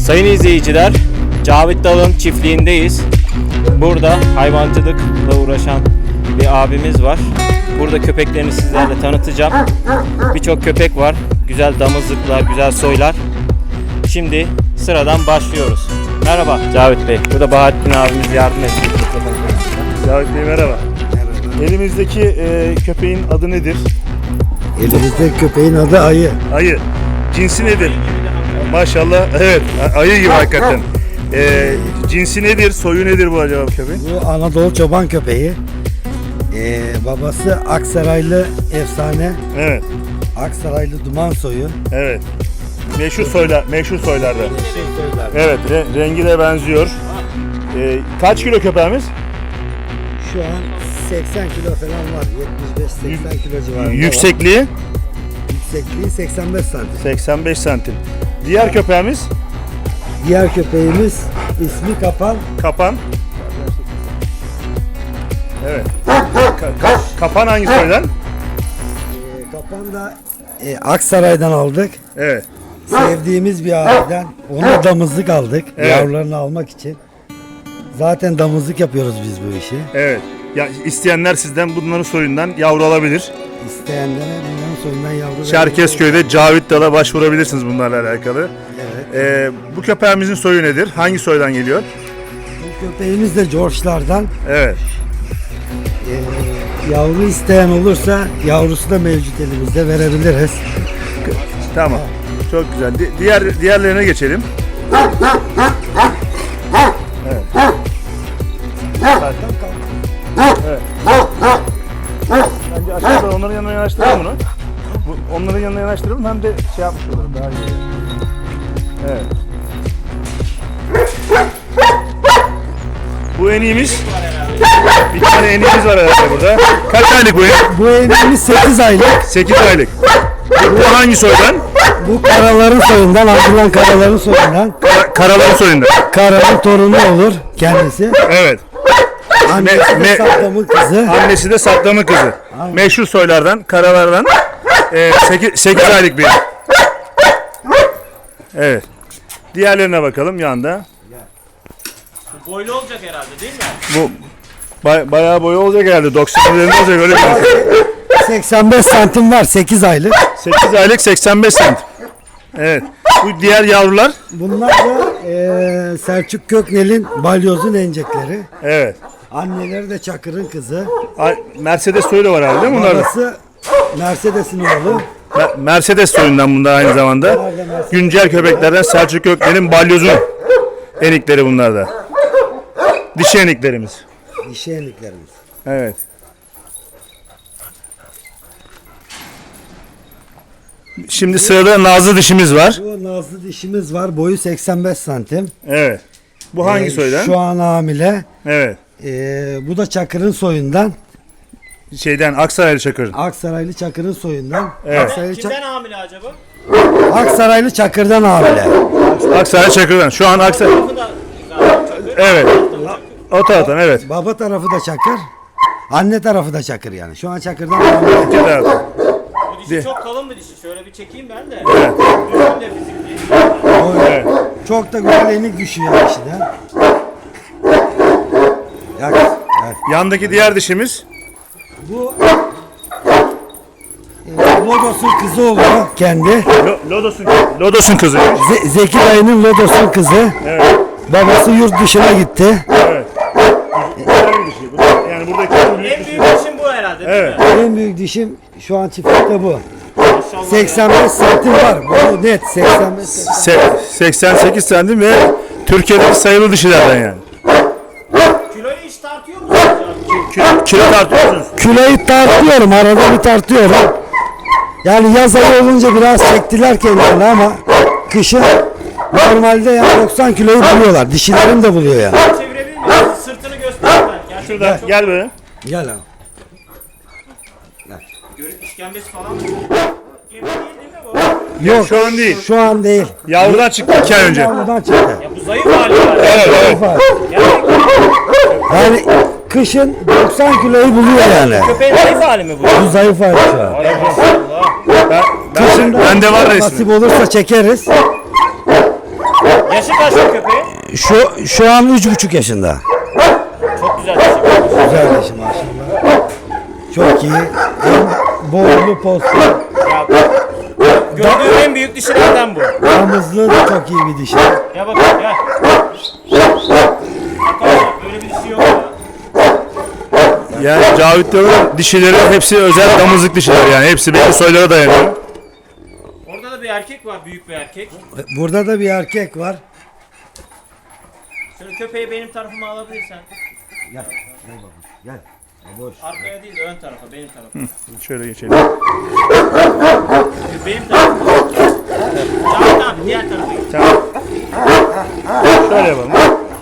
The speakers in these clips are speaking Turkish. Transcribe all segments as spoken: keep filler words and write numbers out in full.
Sayın izleyiciler, Cavit Dal'ın çiftliğindeyiz. Burada hayvancılıkla uğraşan bir abimiz var. Burada köpeklerini sizlerle tanıtacağım. Birçok köpek var. Güzel damızlıklar, güzel soylar. Şimdi sıradan başlıyoruz. Merhaba Cavit Bey. Burada Bahattin abimiz yardım ediyor. Cavit Bey merhaba. Merhaba. Elimizdeki e, köpeğin adı nedir? Elimizde köpeğin adı Ayı. Ayı. Cinsi nedir? Maşallah. Evet. Ayı gibi hakikaten. E, cinsi nedir? Soyu nedir bu acaba köpeğin? Bu Anadolu çoban köpeği. Ee, babası Aksaraylı efsane. Evet. Aksaraylı duman soyu. Evet. Meşhur soylar, meşhur soylarda. Meşhur soylar. Evet, re- rengi de benziyor. E, kaç kilo köpeğimiz? Şu an seksen kilo falan var. yetmiş beş seksen kilo civarında Yüksekliği? var. Yüksekliği seksen beş santim. seksen beş santim. Diğer köpeğimiz? Diğer köpeğimiz ismi Kapan. Kapan. Evet. Ka- ka- kapan hangi soydan? Ee, Kapan da e, Aksaray'dan aldık. Evet. Sevdiğimiz bir aileden. Ona damızlık aldık. Evet. Yavrularını almak için. Zaten damızlık yapıyoruz biz bu işi. Evet. Ya isteyenler sizden bunların soyundan yavru alabilir. İsteyenlere bunların soyundan yavru Çerkezköy'de Cavit Dal'a başvurabilirsiniz bunlarla alakalı. Evet. Ee, bu köpeğimizin soyu nedir? Hangi soydan geliyor? Bu köpeğimiz de George'lardan. Evet. Ee, yavru isteyen olursa yavrusu da mevcut elimizde, verebiliriz. Tamam. Çok güzel. Di- diğer diğerlerine geçelim. Evet. Evet. Bence aşağıda onların yanına yanaştıralım bunu. Bu, onların yanına yanaştıralım hem de şey yapmış oluruz daha iyi. Evet. Bu eniğimiz. Bir tane eniğimiz var herhalde burada. Kaç aylık bu enik? Bu evimiz sekiz aylık. sekiz aylık. Bu hangi soydan? Bu karaların soyundan, Abdullah karaların soyundan. Kara, Karaların soyundan. Karanın torunu olur kendisi. Evet. Annesi Me- de me- Saddam'ın kızı. Annesi de Saddam'ın kızı. Aynen. Meşhur soylardan, karalardan. E, sekiz aylık bir. Evet. Diğerlerine bakalım yanda. Bu boylu olacak herhalde değil mi? Bu bay- bayağı boyu olacak herhalde. doksan üzerinde olacak öyle bir. seksen beş santim var, sekiz aylık. sekiz aylık seksen beş santim. Evet. Bu diğer yavrular. Bunlar da eee, Selçuk Köknel'in balyozun encekleri. Evet. Anneleri de Çakır'ın kızı. Ay, Mercedes soyu da var herhalde değil mi bunlarda? Babası Mercedes'in oğlu. Me- Mercedes soyundan bunda aynı zamanda. Güncel köpeklerden Selçuk Gökmen'in balyozun enikleri bunlar da. Dişi eniklerimiz. Dişi eniklerimiz. Evet. Şimdi sırada nazlı dişimiz var. Bu nazlı dişimiz var. Boyu seksen beş santim. Evet. Bu hangi Ee, soydan? Şu an hamile. Evet. Ee, bu da Çakır'ın soyundan. Şeyden Aksaraylı Çakır'ın. Aksaraylı Çakır'ın soyundan. Evet. Aksaraylı, Çak- Kimden hamile acaba? Aksaraylı Çakır'dan hamile. Aksaraylı Çakır'dan. Şu an Aksaray. Bu da güzel. Evet. O taraftan evet. Baba tarafı da Çakır. Anne tarafı da Çakır yani. Şu an Çakır'dan hamile. İki taraftan. Bu dişi De- çok kalın bir dişi. Şöyle bir çekeyim ben de. Evet. Düzgün de fizikli. O- Evet. Çok da güzel enik düşüyor dişiden. Yak. Evet. Yandaki diğer dişimiz. Bu e, Lodos'un kızı oluyor kendi. Lo- Lodos'un Lodos'un kızı. Ze- Zeki dayının Lodos'un kızı. Evet. Babası yurt dışına gitti. Evet. Güzel bir dişi. Bu da- Yani buradaki en büyük En dişi. büyük dişim bu herhalde değil Evet. mi? En büyük dişim şu an çiftlikte bu. Maşallah. seksen beş santim var. Bu net seksen beş santim. Se- seksen sekiz santim ve Türkiye'deki sayılı dişilerden yani. Kiloyu hiç tartıyor musunuz abi? Kilo, kilo tartıyor musunuz? Kiloyu tartıyorum, arada bir tartıyorum. Yani yaz ayı olunca biraz çektiler kendilerini ama kışın normalde yani doksan kiloyu buluyorlar. Dişilerim de buluyor yani. Çevirebilir miyiz? Sırtını göster ben. Gerçekten Şurada çok gel böyle. Gel abi. görüp işkembesi falan mı? Yemi değil değil mi bu? Yok Şu an değil. Şu an değil. Yavrudan çıktı iki ay önce. Yavrudan çıktı. Ya bu zayıf hali var. Evet evet. Yani Yani kışın doksan kiloyu buluyor yani. köpeğin zayıf hali mi bu? Bu zayıf hali şu an. Ay maşallah. Ben, ben, Kışın da bende var resmi. nasip olursa çekeriz. Yaşı kaç bu köpeğin? Şu şu an üç buçuk yaşında. Çok güzel dişi. Güzel yaşı maşallah. Çok iyi. En boylu postu. Ya, gördüğüm en büyük dişilerden bu. Damızlığı da çok iyi bir dişi. Gel bakalım gel. Arkadaşlar böyle bir dişi yok ya. Yani Cavit diyorlar dişileri hepsi özel damızlık dişiler yani. Hepsi belli soylara dayanıyor. Orada da bir erkek var, büyük bir erkek. Burada da bir erkek var. Şöyle köpeği benim tarafıma alabilirsen. Gel. Gel bakalım. Gel. Boş. Arkaya değil de ön tarafa, benim tarafa. Şöyle geçelim. Benim tarafıma. Tamam tamam, diğer tarafa git. Tamam. Şöyle yapalım.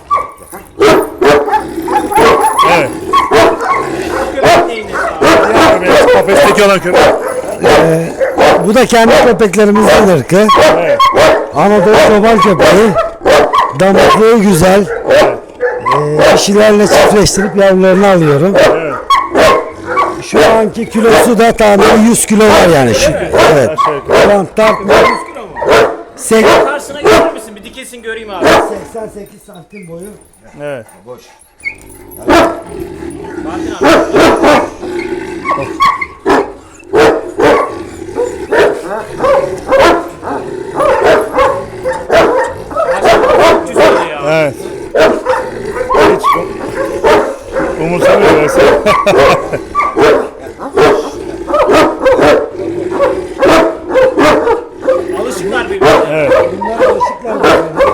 Evet. Bu köpek neyin nesi abi? Diğer köpeğimiz kafesteki olan köpek. Bu da kendi köpeklerimizden ırkı. Evet. Anadolu çoban köpeği. Damaklığı güzel. Ee, dişilerle çiftleştirip yavrularını alıyorum. Evet. Şu anki kilosu da tahmini yüz kilo var yani. Şu, evet. Aşağı yukarı. Şu an tartmıyor. yüz kilo mu? Sek- Karşısına gelir misin? Bir dikesin göreyim abi. seksen sekiz santim boyu. Evet. Boş. Fatih abi. Maşallah, üç yüz kilo ya. Evet. Hiç um- umursamıyor mesela. Alışıklar birbirine. Evet. Bunlar alışıklar birbirine.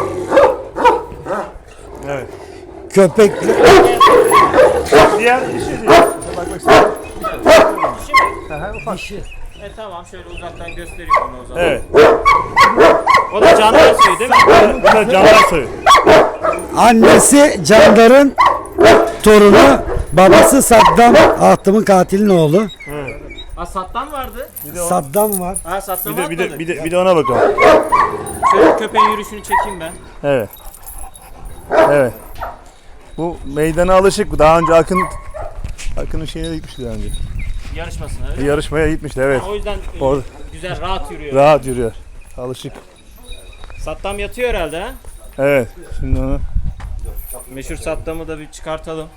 Evet. Köpekli. Diğer dişi diyor. Bak bak sen. Şimdi, Dişi. e tamam şöyle uzaktan göstereyim onu o zaman. Evet. O da canlı soyu değil mi? Bu da canlar soyu. Annesi Candar'ın torunu. Babası Saddam. Ahtım'ın katilin oğlu. Ha Sattan vardı. Saddam var. Ha Sattan Bir de bir de bir de bir de ona bakalım. Şöyle köpeğin yürüyüşünü çekeyim ben. Evet. Evet. Bu meydana alışık. Daha önce Akın Akın'ın şeyine de gitmişti daha önce. Yarışmasına öyle Bir mi? yarışmaya gitmişti evet. O yüzden e, Orada. güzel rahat yürüyor. Rahat yürüyor. Alışık. Sattam yatıyor herhalde ha. Evet. Şimdi onu Meşhur Sattam'ı da bir çıkartalım.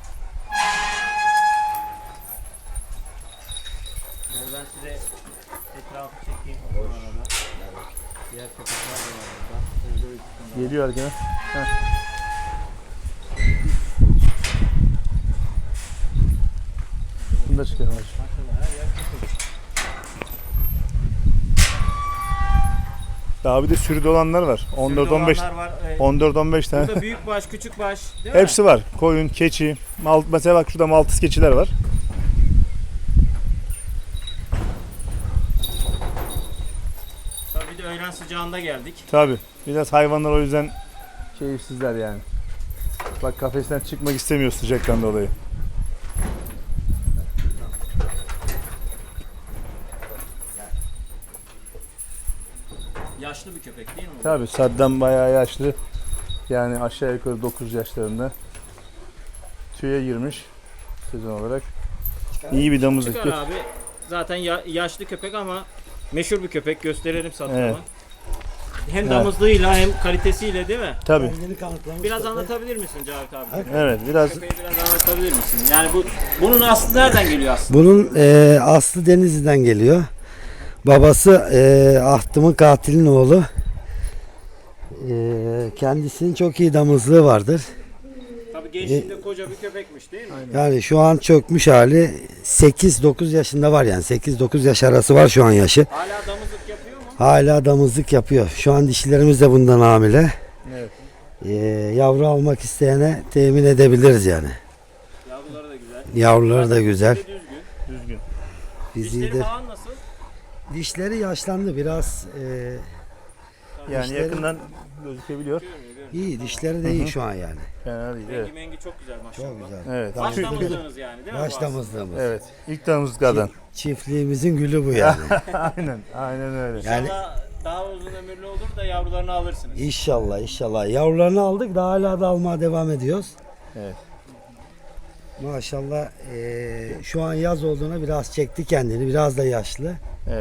Şimdi ben size etrafı çekeyim. Bu arada. Diğer köpekler de var burada. geliyor gene. Heh. Bunu da çıkaralım. Daha bir de sürüde olanlar var. on dört on beş Sürüde olanlar var. E, on dört on beş tane. Burada büyük baş, küçük baş, değil mi? Hepsi var. Koyun, keçi, mal, mesela bak şurada Maltız keçiler var. Tabii bir de öğlen sıcağında geldik. Tabi. Biraz hayvanlar o yüzden keyifsizler yani. Bak kafesten çıkmak istemiyor sıcaktan dolayı. Yaşlı bir köpek değil mi? bu? Tabi Saddam bayağı yaşlı. Yani aşağı yukarı dokuz yaşlarında. Tüye girmiş sezon olarak. İyi bir damızlık. Çıkar abi. Zaten ya- yaşlı köpek ama meşhur bir köpek. Gösterelim Sattam'a. Evet. Hem damızlığıyla hem kalitesiyle değil mi? Tabi. Kendini kanıtlamış. Biraz köpek. anlatabilir misin Cavit abi? Evet biraz Köpeği biraz anlatabilir misin? Yani bu bunun aslı nereden geliyor aslında? Bunun e, aslı Denizli'den geliyor. Babası e, Ahtım'ın katilin oğlu. E, kendisinin çok iyi damızlığı vardır. Tabii gençliğinde koca bir köpekmiş değil mi? Yani şu an çökmüş hali sekiz dokuz yaşında var yani sekiz dokuz yaş arası var şu an yaşı. Hala damızlık yapıyor mu? Hala damızlık yapıyor. Şu an dişilerimiz de bundan hamile. evet. E, yavru almak isteyene temin edebiliriz yani. Yavruları da güzel. Yavruları da güzel. Bir de düzgün. Düzgün. Bizi Dişleri de falan nasıl? dişleri yaşlandı biraz. E, Yani Dişleri- yakından gözükebiliyor. Görmüyor, görmüyor. iyi dişleri de iyi şu an yani. Fena değil. Rengi Evet. mengi çok güzel maşallah. Çok güzel. Evet. Baş Tüy- damızlığınız yani değil mi? Baş bu damızlığımız. Evet. İlk damızlıklardan. Çiftliğimizin gülü bu yani. Aynen. Aynen öyle. aslında? Yani- İnşallah daha uzun ömürlü olur da yavrularını alırsınız. İnşallah inşallah. Yavrularını aldık da hala da almaya devam ediyoruz. Evet. Maşallah eee, şu an yaz olduğuna biraz çekti kendini. Biraz da yaşlı. Evet.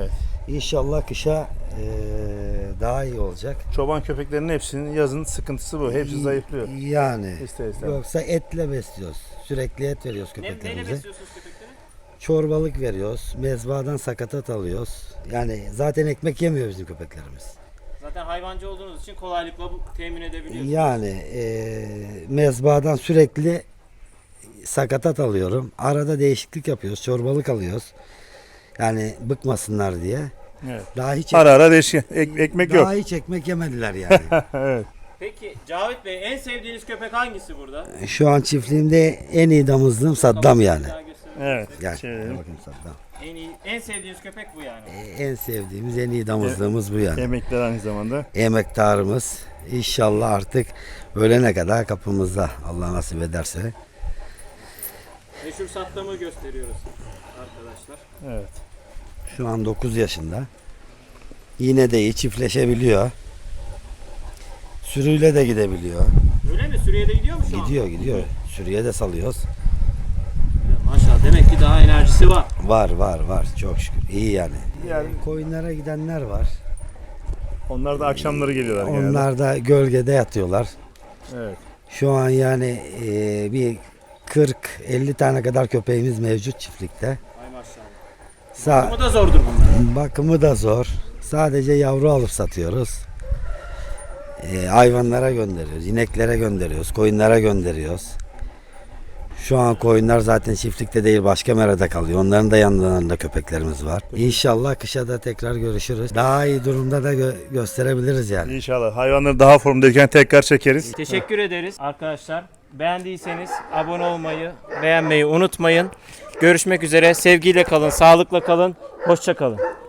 İnşallah kışa eee, daha iyi olacak. Çoban köpeklerinin hepsinin yazın sıkıntısı bu. Hepsi zayıflıyor. Yani İster istemez. yoksa etle besliyoruz. Sürekli et veriyoruz Ne, neyle köpeklerimize. besliyorsunuz köpekleri? Çorbalık veriyoruz. Mezbadan sakatat alıyoruz. Yani zaten ekmek yemiyor bizim köpeklerimiz. Zaten hayvancı olduğunuz için kolaylıkla bu temin edebiliyorsunuz. Yani eee mezbadan sürekli sakatat alıyorum. Arada değişiklik yapıyoruz. Çorbalık alıyoruz. Yani bıkmasınlar diye. Evet. Daha hiç Ara ara değişiyor. Ek- ekmek daha yok. hiç ekmek yemediler yani. Evet. Peki Cavit Bey, en sevdiğiniz köpek hangisi burada? Şu an çiftliğimde en iyi damızlığım Saddam yani. Bir daha gösterelim. Evet. Gel. Çevirelim. Gel bakayım Saddam. En iyi, en sevdiğiniz köpek bu yani. Ee, En sevdiğimiz, en iyi damızlığımız bu yani. Emekler aynı zamanda. Emektarımız. İnşallah artık ölene kadar kapımızda. Allah nasip ederse. Meşhur Saddam'ı gösteriyoruz arkadaşlar. Evet. Şu an dokuz yaşında. Yine de iyi çiftleşebiliyor. Sürüyle de gidebiliyor. Öyle mi? Suriye'de gidiyor mu şu an? Gidiyor gidiyor. Sürüye de salıyoruz. Maşallah, demek ki daha enerjisi var. Var var var. Çok şükür. İyi yani. Yani Koyunlara gidenler var. onlar da akşamları geliyorlar genelde. Onlar da gölgede yatıyorlar. Evet. Şu an yani e, bir kırk elli tane kadar köpeğimiz mevcut çiftlikte. Ay maşallah. Sa- Ama da zordur bunlar. bakımı da zor. Sadece yavru alıp satıyoruz. E, hayvanlara gönderiyoruz, ineklere gönderiyoruz, koyunlara gönderiyoruz. Şu an koyunlar zaten çiftlikte değil, başka merada kalıyor. Onların da yanlarında köpeklerimiz var. İnşallah kışa da tekrar görüşürüz. Daha iyi durumda da gö- gösterebiliriz yani. İnşallah. Hayvanları daha formdayken tekrar çekeriz. Teşekkür ederiz arkadaşlar. Beğendiyseniz abone olmayı, beğenmeyi unutmayın. Görüşmek üzere. Sevgiyle kalın, sağlıkla kalın. Hoşça kalın.